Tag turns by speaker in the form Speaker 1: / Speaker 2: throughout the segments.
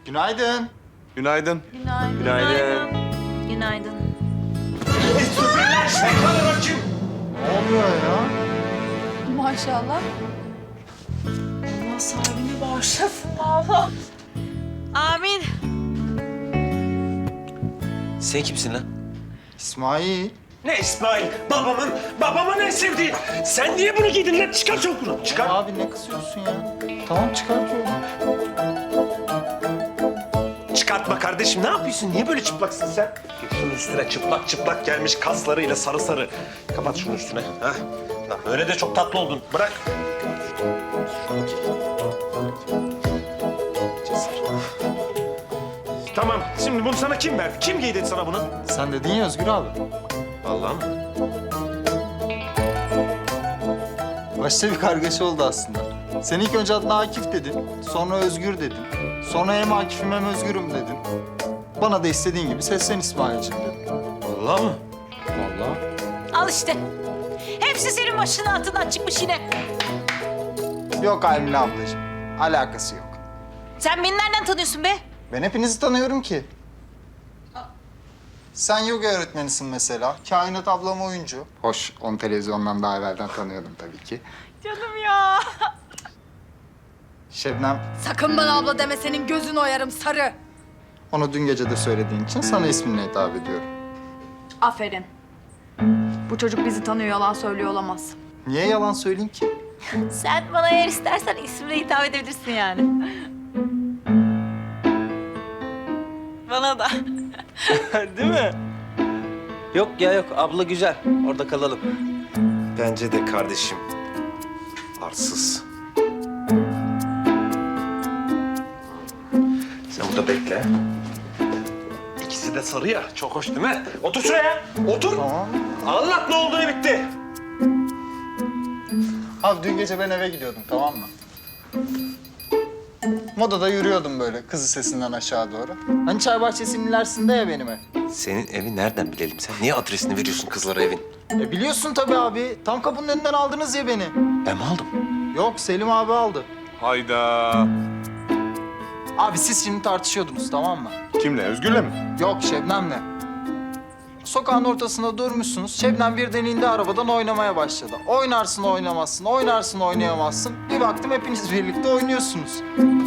Speaker 1: Günaydın.
Speaker 2: Günaydın.
Speaker 3: Günaydın.
Speaker 2: Günaydın.
Speaker 3: Günaydın.
Speaker 1: Ne oluyor ya?
Speaker 4: Maşallah. Allah sahibine bağışlasın Allah.
Speaker 3: Amin.
Speaker 5: Sen kimsin lan?
Speaker 1: İsmail.
Speaker 6: Ne İsmail? Babamın en sevdiği. Sen niye bunu giydin lan? Çıkar çabuk bunu. Çıkar.
Speaker 1: Abi ne kısıyorsun ya? Tamam çıkartıyorum.
Speaker 6: Çıkartma kardeşim. Ne yapıyorsun? Niye böyle çıplaksın sen? Git şunun üstüne çıplak çıplak gelmiş kaslarıyla sarı sarı. Kapat şunun üstüne. Ha? Lan böyle de çok tatlı oldun. Bırak. Tamam. Şimdi bunu sana kim verdi? Kim giydi sana bunu?
Speaker 1: Sen dedin ya Özgür abi.
Speaker 6: Vallahi mı?
Speaker 1: Başta bir kargaşa oldu aslında. Sen ilk önce adına Akif dedin. Sonra Özgür dedin. Sonra hem Akif'im hem Özgür'üm dedin. Bana da istediğin gibi seslen İsmail'cim dedin.
Speaker 6: Vallahi mı?
Speaker 1: Vallahi.
Speaker 3: Al işte. Hepsi senin başının altından çıkmış yine.
Speaker 1: Yok Aymine ablacığım. Alakası yok.
Speaker 3: Sen beni nereden tanıyorsun be?
Speaker 1: Ben hepinizi tanıyorum ki. Sen yoga öğretmenisin mesela. Kainat ablam oyuncu. Hoş, onu televizyondan daha evvelden tanıyordum tabii ki.
Speaker 3: Canım ya.
Speaker 1: Şebnem,
Speaker 4: Sakın bana abla deme, senin gözün oyarım sarı.
Speaker 1: onu dün gece de söylediğin için sana isminle hitap ediyorum.
Speaker 4: Aferin. Bu çocuk bizi tanıyor, yalan söylüyor olamaz.
Speaker 1: Niye yalan söyleyeyim ki?
Speaker 3: Sen bana eğer istersen ismine hitap edebilirsin yani. Bana da.
Speaker 5: Değil mi? Yok ya yok. Abla güzel. Orada kalalım.
Speaker 6: Bence de kardeşim. Arsız. Sen burada bekle. İkisi de sarı ya. Çok hoş değil mi? Otur şuraya. Otur.
Speaker 1: Tamam.
Speaker 6: Anlat ne oldu ne bitti.
Speaker 1: Abi dün gece ben eve gidiyordum, tamam mı? Modada yürüyordum böyle kızı sesinden aşağı doğru. Hani çay bahçesinin ilerisinde ya benim ev.
Speaker 6: Senin evi nereden bilelim? Sen niye adresini veriyorsun kızlara evin?
Speaker 1: Biliyorsun tabii abi. Tam kapının önünden aldınız ya beni.
Speaker 6: Ben mi aldım?
Speaker 1: Yok, Selim abi aldı.
Speaker 2: Hayda.
Speaker 1: Abi siz şimdi tartışıyordunuz, tamam mı?
Speaker 2: Kimle? Özgür'le mi?
Speaker 1: Yok, Şebnem'le. Sokağın ortasında durmuşsunuz. Şebnem birden indi arabadan oynamaya başladı. Oynarsın oynamazsın, oynarsın oynayamazsın. Bir baktım hepiniz birlikte oynuyorsunuz.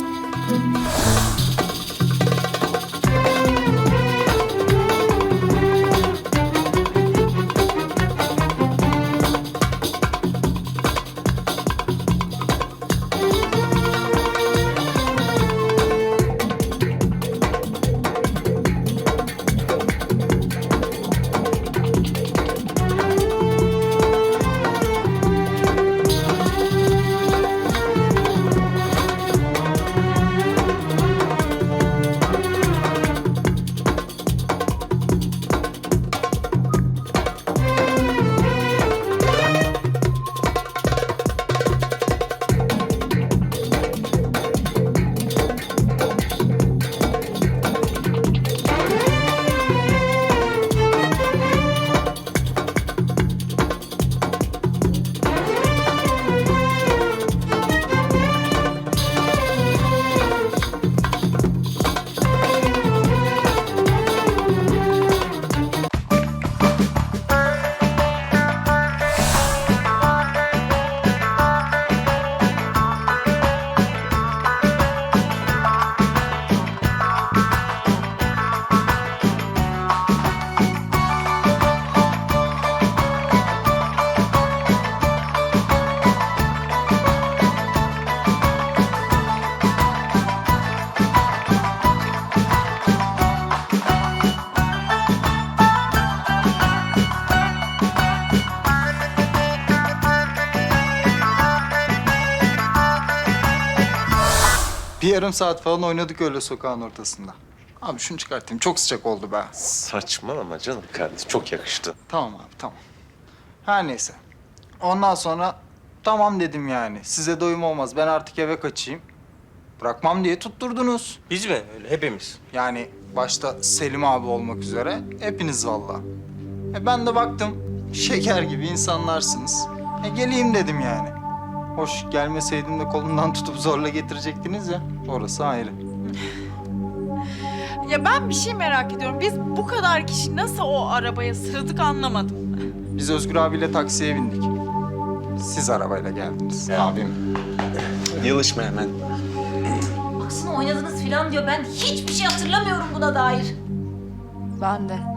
Speaker 1: Bir yarım saat falan oynadık öyle sokağın ortasında. Abi şunu çıkartayım. Çok sıcak oldu be.
Speaker 6: Saçmalama canım kardeşim. Çok yakıştı.
Speaker 1: Tamam abi, tamam. Her neyse. Ondan sonra tamam dedim yani. Size doyum olmaz. Ben artık eve kaçayım. Bırakmam diye tutturdunuz.
Speaker 5: Biz mi? Öyle hepimiz.
Speaker 1: Yani başta Selim abi olmak üzere hepiniz vallahi. Ben de baktım şeker gibi insanlarsınız. Geleyim dedim yani. Hoş gelmeseydim de kolundan tutup zorla getirecektiniz ya. Orası ayrı.
Speaker 7: Ya ben bir şey merak ediyorum. Biz bu kadar kişi nasıl o arabaya sığdık anlamadım.
Speaker 1: Biz Özgür abiyle taksiye bindik. Siz arabayla geldiniz abim.
Speaker 6: Yılışma hemen.
Speaker 3: Baksana oynadınız falan diyor. Ben hiçbir şey hatırlamıyorum buna dair.
Speaker 4: Ben de.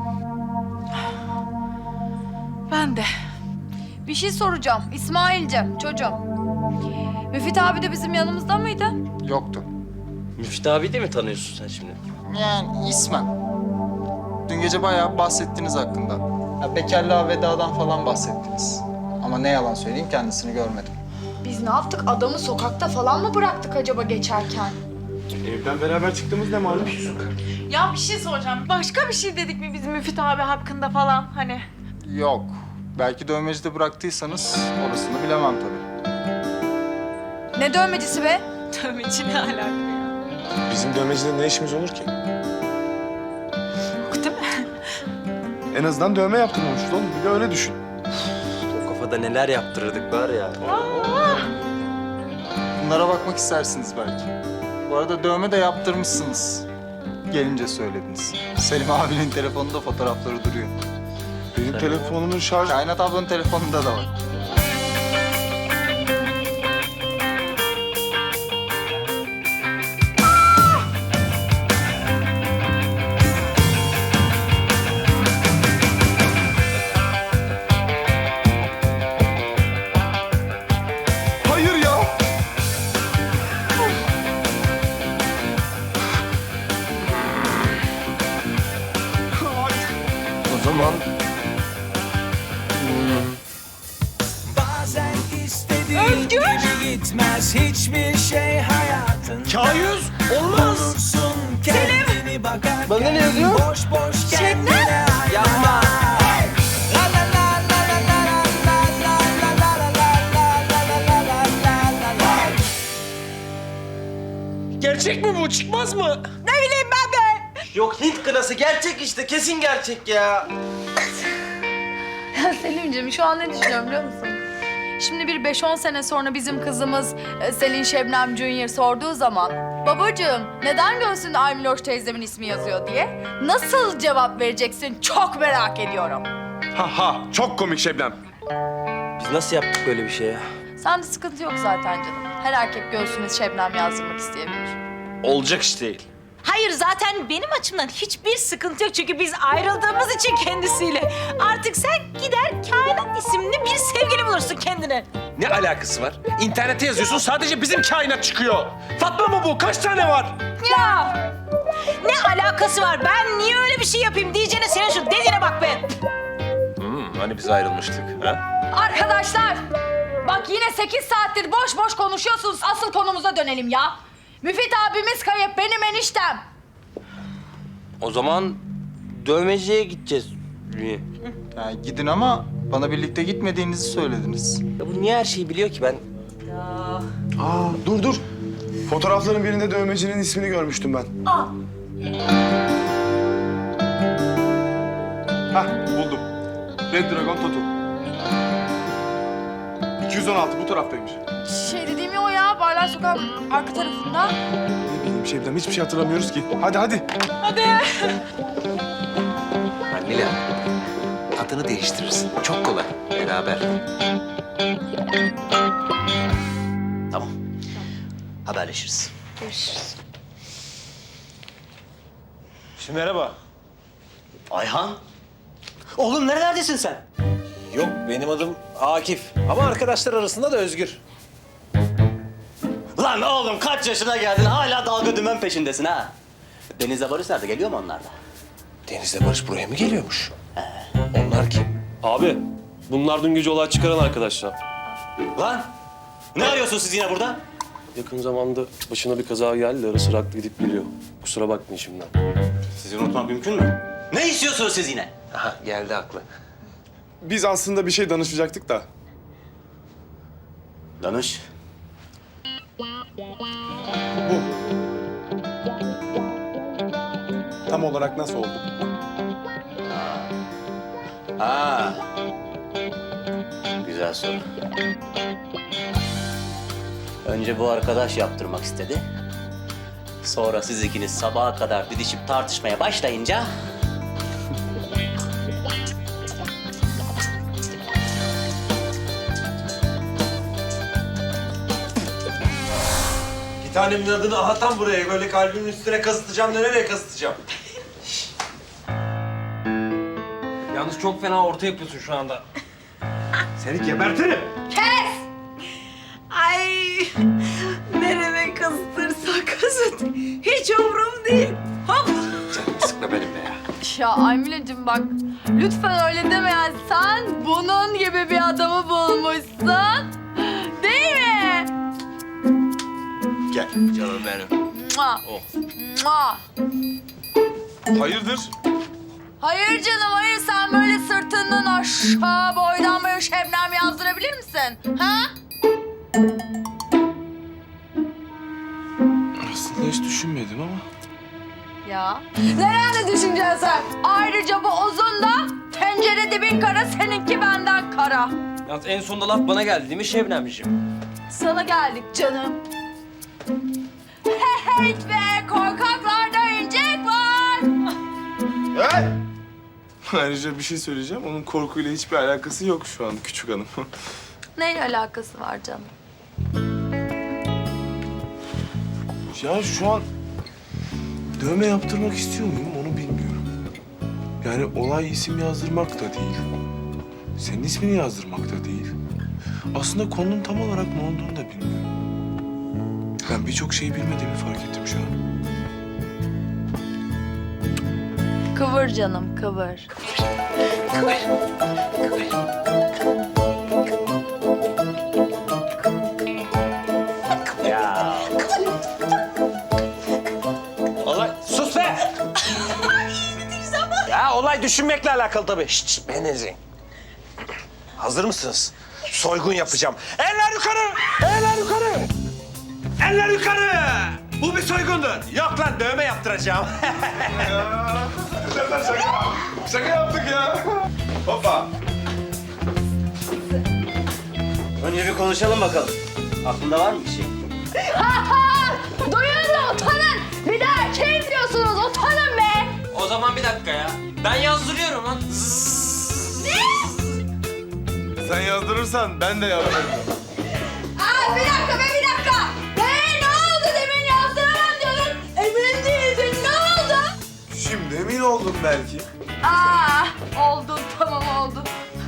Speaker 7: Ben de.
Speaker 4: Bir şey soracağım. İsmail'cim, çocuğum. Müfit abi de bizim yanımızda mıydı?
Speaker 1: Yoktu.
Speaker 5: Müftü abi de mi tanıyorsun sen şimdi?
Speaker 1: Yani ismen. Dün gece bayağı bahsettiniz hakkında. Ya bekarlığa vedadan falan bahsettiniz. Ama ne yalan söyleyeyim kendisini görmedim.
Speaker 4: Biz ne yaptık? Adamı sokakta falan mı bıraktık acaba geçerken?
Speaker 2: Evden beraber çıktığımız ne malum?
Speaker 7: Ya bir şey soracağım. Başka bir şey dedik mi bizim Müfit abi hakkında falan hani?
Speaker 1: Yok. Belki dövmecide bıraktıysanız orasını bilemem tabii.
Speaker 4: Ne dövmecisi be?
Speaker 7: Dövmeci ne alaka ya?
Speaker 2: Bizim dövmecide ne işimiz olur ki?
Speaker 7: Yok değil mi?
Speaker 2: En azından dövme yaptırmamışız oğlum. Bir de öyle düşün.
Speaker 5: O kafada neler yaptırırdık var ya.
Speaker 1: Bunlara bakmak istersiniz belki. Bu arada dövme de yaptırmışsınız. Gelince söylediniz. Selim abinin telefonunda fotoğrafları duruyor.
Speaker 2: Benim telefonumun şarj...
Speaker 1: Kainat ablanın telefonunda da var.
Speaker 2: Hayır ya!
Speaker 5: O zaman
Speaker 8: Bazen istediğin gibi gitmez hiçbir şey hayatın.
Speaker 5: K100 olmaz.
Speaker 8: Olursun kendini bakarken
Speaker 5: Bana ne yazıyor?
Speaker 8: boş boş kendine hayal.
Speaker 5: Yapma.
Speaker 8: La la la la la la la la la la la la la la la la.
Speaker 5: Gerçek mi bu? Çıkmaz mı?
Speaker 7: Ne bileyim ben de.
Speaker 5: Yok Hint kınası gerçek işte. Kesin gerçek ya.
Speaker 4: Ya Selim'ciğim şu an ne düşünüyorum biliyor musun? Şimdi bir 5-10 sene sonra bizim kızımız Selin Şebnem Junior sorduğu zaman babacığım neden göğsünde Aymiloş teyzemin ismi yazıyor diye nasıl cevap vereceksin çok merak ediyorum.
Speaker 2: Ha ha! Çok komik Şebnem.
Speaker 5: Biz nasıl yaptık böyle bir şey ya?
Speaker 4: Sende sıkıntı yok zaten canım. Her erkek göğsüne Şebnem yazdırmak isteyebilir.
Speaker 5: Olacak iş değil.
Speaker 3: Hayır zaten benim açımdan hiçbir sıkıntı yok. Çünkü biz ayrıldığımız için kendisiyle. Artık sen gider Kainat isimli bir sevgili bulursun kendine.
Speaker 6: Ne alakası var? İnternete yazıyorsun sadece bizim kainat çıkıyor. Fatma mı bu? Kaç tane var?
Speaker 3: Ya ne alakası var? Ben niye öyle bir şey yapayım diyeceğine senin şu dediğine bak be.
Speaker 6: Hani biz ayrılmıştık ha?
Speaker 4: Arkadaşlar bak yine 8 saattir boş boş konuşuyorsunuz. Asıl konumuza dönelim ya. Müfit abimiz kayıp benim eniştem.
Speaker 5: O zaman dövmeciye gideceğiz.
Speaker 1: Yani gidin ama bana birlikte gitmediğinizi söylediniz.
Speaker 5: Ya bu niye her şeyi biliyor ki ben?
Speaker 2: Aa dur. Fotoğrafların birinde dövmecinin ismini görmüştüm ben. Hah buldum. Red Dragon Tattoo. 216 bu taraftaymış.
Speaker 4: Şey dediğim ya o ya, Barlar Sokağı'nın arka tarafında.
Speaker 2: Ne bileyim Şebnem hiçbir şey hatırlamıyoruz ki. Hadi.
Speaker 9: Mila, adını değiştirirsin. Çok kolay. Beraber. Tamam. Haberleşiriz.
Speaker 4: Görüşürüz.
Speaker 5: Şimdi merhaba.
Speaker 9: Ayhan. Oğlum nerelerdesin sen?
Speaker 5: Yok benim adım Akif. Ama arkadaşlar arasında da Özgür.
Speaker 9: Lan oğlum kaç yaşına geldin hala dalga dümen peşindesin ha? Deniz'le Barış nerede? Geliyor mu onlar da?
Speaker 6: Deniz'le Barış buraya mı geliyormuş? Onlar kim?
Speaker 10: Abi, bunlar dün gece olay çıkaran arkadaşlar.
Speaker 9: Lan! Ne arıyorsunuz siz yine burada?
Speaker 10: Yakın zamanda başına bir kaza geldi, ara sıra aklı gidip geliyor. Kusura bakmayın şimdiden.
Speaker 9: Sizi unutmak mümkün mü? Ne istiyorsunuz siz yine?
Speaker 6: Aha geldi aklı.
Speaker 2: Biz aslında bir şey danışacaktık da.
Speaker 9: Danış.
Speaker 2: Tam olarak nasıl oldu?
Speaker 9: Ha. Güzel soru. Önce bu arkadaş yaptırmak istedi. Sonra siz ikiniz sabaha kadar didişip tartışmaya başlayınca...
Speaker 6: Bir tanemin adını aha tam buraya böyle kalbimin üstüne kazıtacağım da nereye kazıtacağım?
Speaker 5: Yalnız çok fena orta yapıyorsun şu anda.
Speaker 6: Seni gebertirim.
Speaker 3: Ay nereye kıstırsa kızıt. Hiç umrum değil. Hop.
Speaker 6: Canımı sıkma benim be ya.
Speaker 4: Ya Aymile'cim bak lütfen öyle deme ya. Sen bunun gibi bir adamı bulmuşsun. Değil mi?
Speaker 6: Gel canım benim.
Speaker 4: Mua. Mua.
Speaker 2: Hayırdır?
Speaker 4: Hayır canım hayır. Sen böyle sırtından aşağı boydan böyle Şebnem yazdırabilir misin? Ha?
Speaker 2: Aslında hiç düşünmedim ama.
Speaker 4: Ya. Nerede düşüneceksin sen? Ayrıca bu uzun da tencere dibin kara, seninki benden kara.
Speaker 5: Yalnız en sonunda laf bana geldi değil mi Şebnemciğim?
Speaker 4: Sana geldik canım. Hey be, korkaklarda incek var.
Speaker 2: Ayrıca bir şey söyleyeceğim. Onun korkuyla hiçbir alakası yok şu an küçük hanım.
Speaker 4: Neyle alakası var canım?
Speaker 2: Ya şu an dövme yaptırmak istiyor muyum onu bilmiyorum. Yani olay isim yazdırmak da değil. Senin ismini yazdırmak da değil. Aslında konunun tam olarak ne olduğunu da bilmiyorum. Ben birçok şeyi bilmediğimi fark ettim şu an.
Speaker 4: Kıvır canım, kıvır.
Speaker 9: Ya.
Speaker 6: Olay sus be. Ya olay düşünmekle alakalı tabii. Şşt Benezin. Hazır mısınız? Soygun yapacağım. Eller yukarı! Eller yukarı! Eller yukarı! Bu bir soygundur. Yok lan dövme yaptıracağım.
Speaker 2: Şaka yaptık ya. Hoppa.
Speaker 9: Önce bir konuşalım bakalım. Aklında var mı bir şey?
Speaker 4: Duyun da utanın. Bir daha erkeğim diyorsunuz, utanın be.
Speaker 5: O zaman bir dakika ya. Ben yazdırıyorum lan.
Speaker 2: Sen yazdırırsan ben de yazdırırım.
Speaker 4: Aa, bir dakika be, bir dakika. Ne oldu demin yazdıramam diyordun. Emin değildin, ne oldu?
Speaker 2: Şimdi emin oldum belki.
Speaker 4: Oldu, tamam oldu.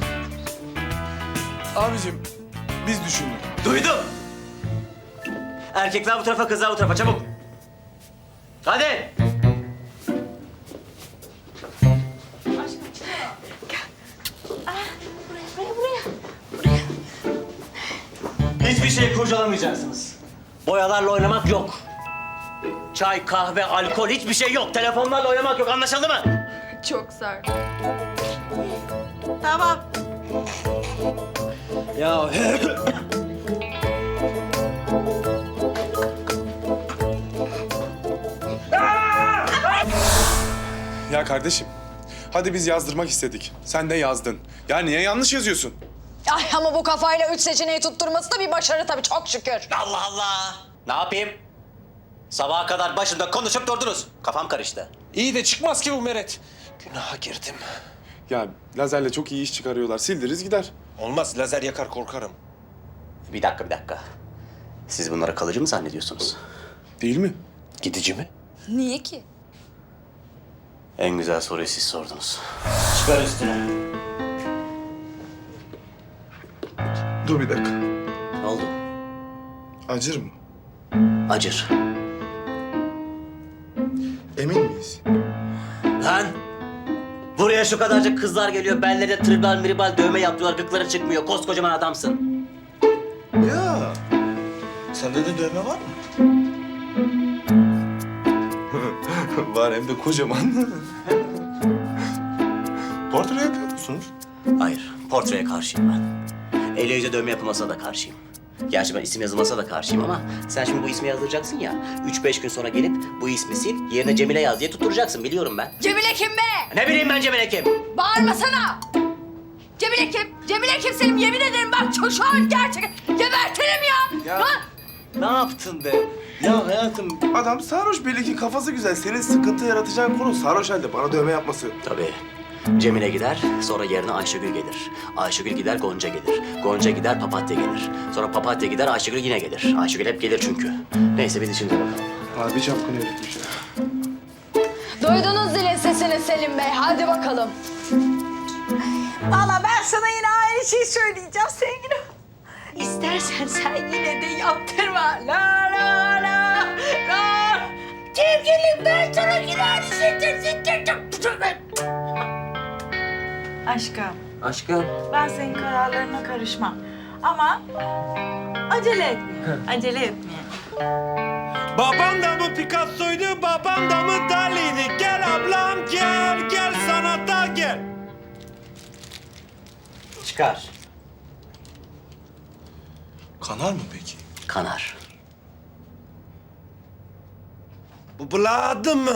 Speaker 2: Abicim biz düşündük.
Speaker 9: Duydum. Erkekler bu tarafa, kızlar bu tarafa. Çabuk. Hadi. Hiçbir şey kurcalamayacaksınız. Boyalarla oynamak yok. Çay, kahve, alkol hiçbir şey yok. Telefonlarla oynamak yok. Anlaşıldı mı?
Speaker 4: Çok sert.
Speaker 3: Tamam.
Speaker 5: Ya
Speaker 2: Ya kardeşim, hadi biz yazdırmak istedik. Sen de yazdın. Ya niye yanlış yazıyorsun?
Speaker 4: Ay ama bu kafayla 3 seçeneği tutturması da bir başarı tabii, çok şükür.
Speaker 9: Allah Allah. Ne yapayım? Sabaha kadar başımda konuşup durdunuz. Kafam karıştı.
Speaker 6: İyi de çıkmaz ki bu Meret. Günaha girdim.
Speaker 2: Ya lazerle çok iyi iş çıkarıyorlar. Sildiriz gider.
Speaker 6: Olmaz lazer yakar korkarım.
Speaker 9: Bir dakika. Siz bunları kalıcı mı zannediyorsunuz?
Speaker 2: Değil mi?
Speaker 6: Gidici mi?
Speaker 4: Niye ki?
Speaker 9: En güzel soruyu siz sordunuz. Çıkar üstüne.
Speaker 2: Dur bir dakika.
Speaker 9: Ne oldu?
Speaker 2: Acır mı?
Speaker 9: Acır.
Speaker 2: Emin miyiz?
Speaker 9: Lan! Buraya şu kadarcık kızlar geliyor. Bellerine tribal miribal dövme yaptılar. Gıkları çıkmıyor. Koskocaman adamsın.
Speaker 2: Ya. Sende de dövme var mı? Var hem de kocaman. Portre yapıyor musunuz?
Speaker 9: Hayır. Portreye karşıyım ben. Elle yüze dövme yapılmasına da karşıyım. Gerçi ben isim yazılmasına da karşıyım ama sen şimdi bu ismi yazdıracaksın ya. 3-5 gün sonra gelip bu ismi sil, yerine Cemile yaz diye tutturacaksın. Biliyorum ben.
Speaker 4: Cemile kim be?
Speaker 9: Ne bileyim ben Cemile kim?
Speaker 4: Bağırmasana. Cemile kim? Cemile kim Selim? Yemin ederim bak şu an gerçekten gebertirim ya.
Speaker 2: Ya.
Speaker 4: Lan!
Speaker 5: Ne yaptın be? Ya hayatım.
Speaker 2: Adam sarhoş, belli ki kafası güzel. Senin sıkıntı yaratacağın konu sarhoş halde bana dövme yapması.
Speaker 9: Tabii. Cemile gider, sonra yerine Ayşegül gelir. Ayşegül gider, Gonca gelir. Gonca gider, Papatya gelir. Sonra Papatya gider, Ayşegül yine gelir. Ayşegül hep gelir çünkü. Neyse biz şimdi bakalım.
Speaker 2: Abi çapkın herifmiş ya.
Speaker 4: Duydunuz zilin sesini Selim Bey. Hadi bakalım.
Speaker 3: Valla ben sana yine aynı şeyi söyleyeceğim sevgilim. İstersen sen yine de yaptırma. La la la la. Sevgilim ben sana yine aynı şeyi söyleyeceğim.
Speaker 7: Aşkım,
Speaker 5: Aşkım.
Speaker 7: ben senin kararlarına karışmam. Ama acele etme. Acele etme.
Speaker 6: Babam da mı Picasso'ydu, babam da mı Dali'ydi? Gel ablam gel, gel sanata gel.
Speaker 9: Çıkar.
Speaker 2: Kanar mı peki?
Speaker 9: Kanar.
Speaker 6: Bu buladı mı?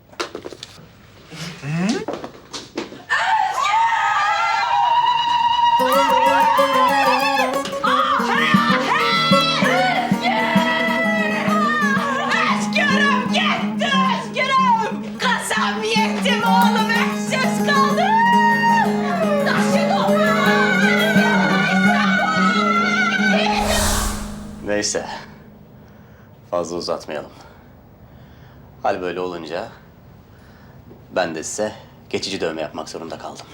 Speaker 3: Özgürüm gitti özgürüm. Kasam yetti mi oğlum öksüz kaldı. Nasıl oluyor?
Speaker 9: Neyse. Fazla uzatmayalım. Hal böyle olunca ben de size geçici dövme yapmak zorunda kaldım.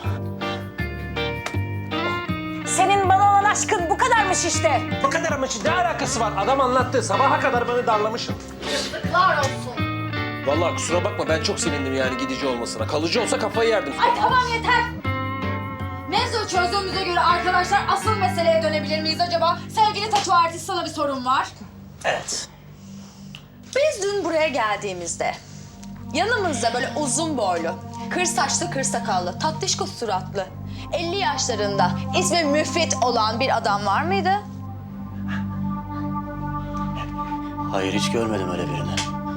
Speaker 3: Senin bana olan aşkın bu kadarmış işte.
Speaker 6: Bu kadar ama ne alakası var? Adam anlattı. Sabaha kadar beni darlamışsın.
Speaker 4: Yazıklar olsun.
Speaker 6: Vallahi kusura bakma ben çok sevindim yani gidici olmasına. Kalıcı olsa kafayı yerdim.
Speaker 4: Ay tamam yeter. Mevzu çözdüğümüze göre arkadaşlar asıl meseleye dönebilir miyiz acaba? Sevgili tatu artist, sana bir sorum var.
Speaker 9: Evet.
Speaker 4: Biz dün buraya geldiğimizde yanımızda böyle uzun boylu, kır saçlı, kır sakallı, tatlışko suratlı, 50 yaşlarında ismi Müfit olan bir adam var mıydı?
Speaker 9: Hayır hiç görmedim öyle birini.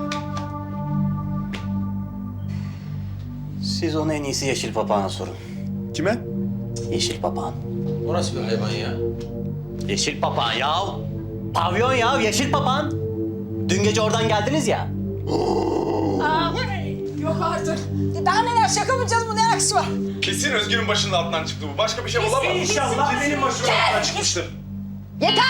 Speaker 9: Siz onu en iyisi Yeşil Papağan'a sorun.
Speaker 2: Kime?
Speaker 9: Yeşil Papağan.
Speaker 5: O nasıl bir hayvan ya?
Speaker 9: Yeşil Papağan ya. Pavyon ya, Yeşil Papağan. Dün gece oradan geldiniz ya.
Speaker 4: Yok artık.
Speaker 3: Daha neler şaka mı yapacağız bu ne alakası var?
Speaker 2: Kesin Özgür'ün başının altından çıktı bu. Başka bir şey olamaz.
Speaker 6: İnşallah benim başıma altından
Speaker 2: çıkmıştır.
Speaker 4: Yeter!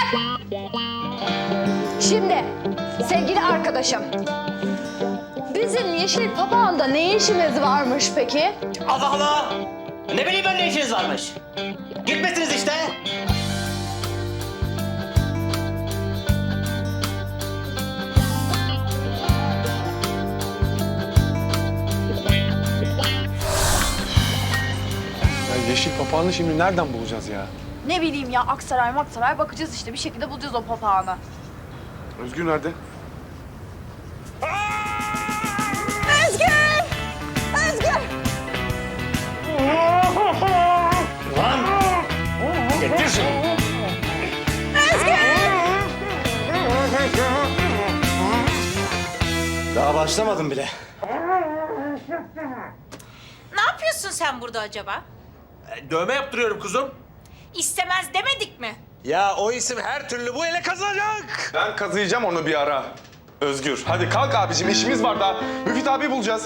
Speaker 4: Şimdi sevgili arkadaşım, bizim Yeşil Papağan'da ne işimiz varmış peki?
Speaker 9: Allah Allah! Ne bileyim ben ne işiniz varmış? Gitmesiniz işte.
Speaker 2: Ya Yeşil Papağan'ı şimdi nereden bulacağız ya?
Speaker 4: Ne bileyim ya, Aksaray Maksaray bakacağız işte, bir şekilde bulacağız o papağanı.
Speaker 2: Özgür nerede?
Speaker 3: Özgür! Özgür!
Speaker 6: Getir şunu.
Speaker 9: Daha başlamadım bile.
Speaker 3: Ne yapıyorsun sen burada acaba?
Speaker 6: Dövme yaptırıyorum kuzum.
Speaker 3: İstemez demedik mi?
Speaker 6: Ya o isim her türlü bu ele kazanacak.
Speaker 2: Ben kazıyacağım onu bir ara. Özgür, hadi kalk abicim, işimiz var daha. Müfit abi bulacağız.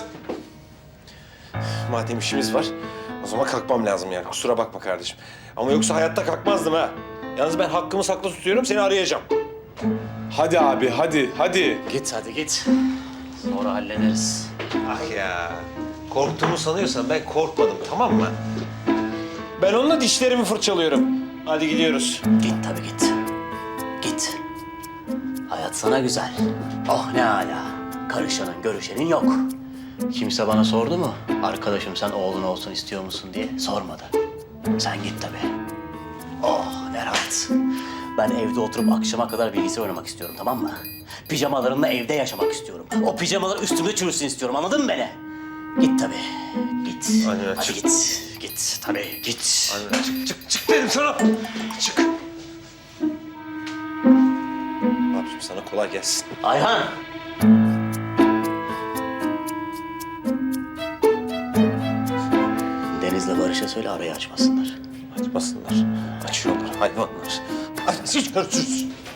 Speaker 6: Madem işimiz var, o zaman kalkmam lazım yani. Kusura bakma kardeşim. Ama yoksa hayatta kalkmazdım ha. Yalnız ben hakkımı saklı tutuyorum, seni arayacağım.
Speaker 2: Hadi abi, hadi.
Speaker 9: Git hadi git. Sonra hallederiz.
Speaker 6: Ah ya, korktuğumu sanıyorsan ben korkmadım, tamam mı? Ben onunla dişlerimi fırçalıyorum. Hadi gidiyoruz.
Speaker 9: Git tabii git. Git. Hayat sana güzel. Oh ne âlâ. Karışanın görüşenin yok. Kimse bana sordu mu? Arkadaşım sen oğlun olsun istiyor musun diye sormadı. Sen git tabii. Oh ne rahat. Ben evde oturup akşama kadar bilgisayar oynamak istiyorum, tamam mı? Pijamalarımla evde yaşamak istiyorum. O pijamalar üstümde çürüsün istiyorum, anladın mı beni? Git tabii. Git.
Speaker 6: Aynen,
Speaker 9: Hadi
Speaker 6: çık.
Speaker 9: git. Git tabii git.
Speaker 6: Hadi çık dedim sana. Çık. Abiciğim sana kolay gelsin.
Speaker 9: Ayhan. Deniz'le Barış'a söyle arayı açmasınlar.
Speaker 6: Açmasınlar. Açıyorlar hayvanlar. Hadi görüşürüz.